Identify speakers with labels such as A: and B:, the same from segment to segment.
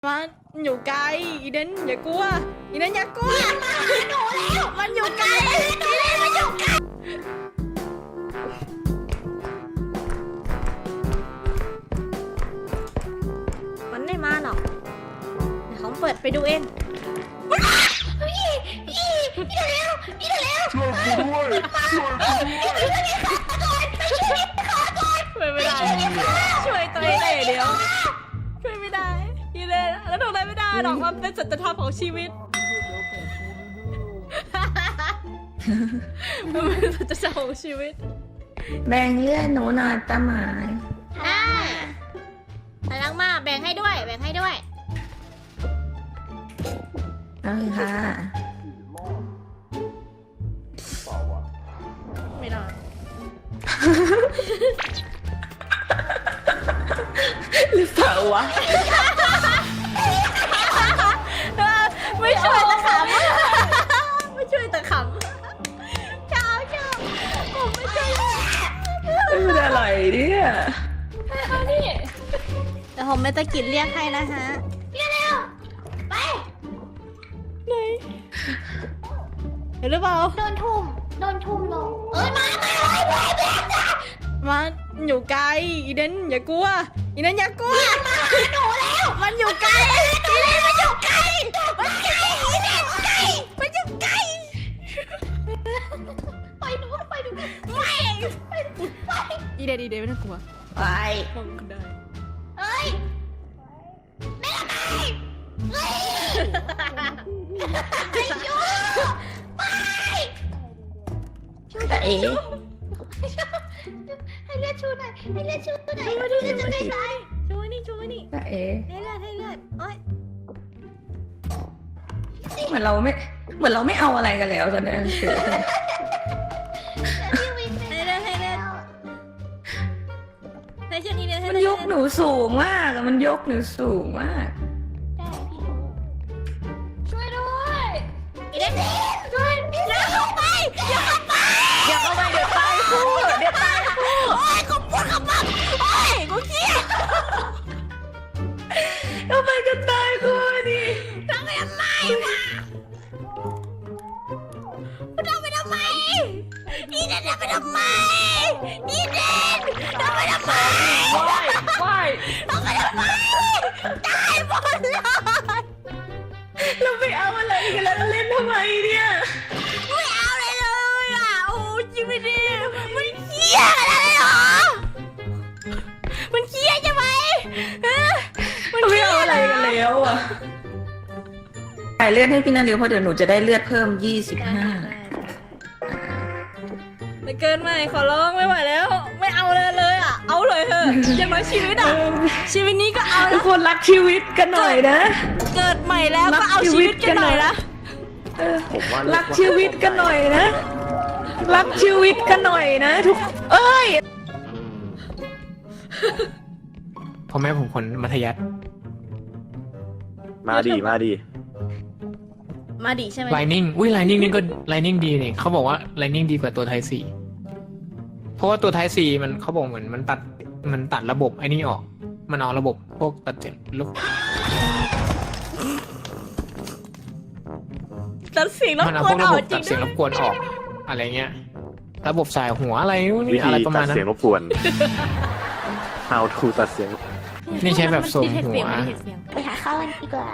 A: มันอยู่ไกลอีเดนอย่ากลัวอีเดนอย่ากลัวมาหนูแล้วมันอยู่ไกลอีเดนมันอยู่ไกลมันไม่มาหรอกเดี๋ยวเขาเปิดไปดูเองพี่เร็ว
B: ช่วยกูด้วย
A: ไม่ได้ช่วยตัวเองได้เดียวช่วยไม่ได้อีเดนแล้วทำอะไรไม่ได้หรอกมันเป็นสัจธรรมของชีวิตมันเป็นสัจธรรมของชีวิต
C: แบ่งเลือดหนูหน่อยตาหมาย
A: พลังมาแบ่งให้ด้วย
C: เอาเลยค่ะ
A: ไม่ได้
C: หรือเปล่าวะ
A: ไม่ช่วยตะขำไม่ช่วยตะขำชอบผมไม่ช่วย
C: มันอะไรเนี่ย
A: เดี๋ยวผมไม่ตะกิดเรียกให้นะฮะเร็วไปไหนเห็นหรือเปล่า
D: โดนทุ่มลง
A: มาอยู่ไกลอีเดนอย่ากลัวอีเดนอย่ากลัวมาหนูแล้วมันอยู่ไกลอีเดนมันอยู่ไกลมันไกลอีเดนไกลมันอยู่ไกล
D: ไปหนู
A: ไม่อีเดนไม่ต้องกลัว
C: ไป
A: มองกันได้
D: เอ้ยไม่ละไงเฮ้ยไอ้ชูไป
C: แต่เอ๋
D: ให้เลือดชูหน่อยให้เลือดชูหน่อย
A: ช่วยดิช่วยดิช่วยนี่
C: แต่เอ๋
A: ให้เลือดโอ๊ย
C: เหมือนเราไม่เอาอะไรกันแล้วตอนนี้คือ
A: ให้เลือดให้ช่วยนี่เลือดให้
C: มันยกหนูสูงมากมันยกหนูสูงมาก
D: ได้พี่รู้ช่วยด้วย
A: อีเดนช่วยอย่าเข้าไปเดี๋ยวตายคู่โอ๊ยกูปวดขมับโอ๊ยกูเครียด
C: ทำไมกันตายกูนี่
A: ทำไปทำไมวะอีเดนทำไปทำไมอีเดนทำไปทำไม
C: ว่าย
A: ทำไปทำไมตายหมดเลย
C: เราไม่เอาอะไรกันแล้วเราเล่นทำไมเนี่ย
A: ไม่เอาเลยเลยอ่ะโอ้ชีวิตนี้มันเครียดอะไรเหรอมันเครียดใช่ไหมมัน
C: เรา
A: เค
C: ไม่
A: รีย
C: เอา
A: ด
C: อะไรกันแล้วอ่ะจ่ายเลือดให้พี่นาริวเพราะเดี๋ยวหนูจะได้เลือดเพิ่ม25
A: ไม่เกินไปขอร้องไม่ไหวแล้วไม่เอาเลยอ่ะเอาเลยเถอะอย่างน้อยชีวิตอ่ะชีวิตนี้ก็เอา
C: ทุ
A: แล้
C: ก
A: ว
C: คนรักชีวิตกันหน่อยนะ
A: เกิดใหม่แล้วก็เอาชีวิตกันหน่อยนะ
C: รักชีวิตกันหน่อยนะ รักชีวิตกันหน่อยนะ ทุกเอ้ย
B: พ่อแม่ผมคนมัธยัสถ์
E: มาดี
A: มาดิใช่ไหม
B: ไลนิ่งไลนิ่งนี่ก็ไลนิ่งดีนี่เขาบอกว่าไลนิ่งดีกว่าตัวไทซีเพราะว่าตัวไทซีมันเขาบอกเหมือนมันตัดระบบไอ้นี่ออกมันเอาระบบพวกตัดเจ็บลูก
A: ตัดเสียงรบ
B: มันเอา
A: ก
B: พ
A: ว
B: วน ก
A: อ
B: ระ
A: อ
B: บบ
A: กจริ
B: ตั
A: ง
B: ดเสียง
A: ด้
B: ร
A: วย
B: บกวนออกอะไรเงี้ยระบบสายหัวอะไรนู่น
E: วิ
B: นี่
E: ธี
B: อะไรประมา
E: ตั
B: ณ
E: ด
B: นั้น
E: เสียงรบกวน How to ตัดเสียง
B: นี่ใช้แบบส่งหัว
D: ไปหาข้าวกันดีกว่า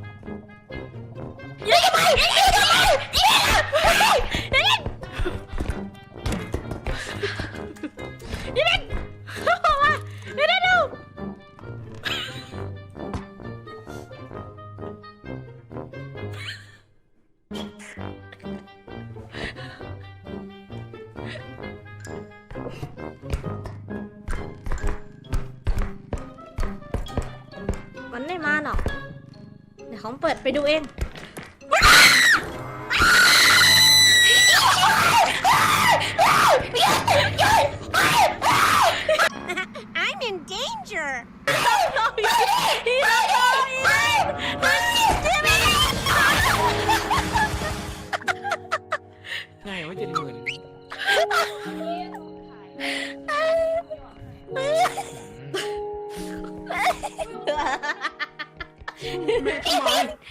A: มันไม่มาหรอกเดี๋ยวเขาเปิดไปดูเอง I'm in danger
B: เแม่ทำไม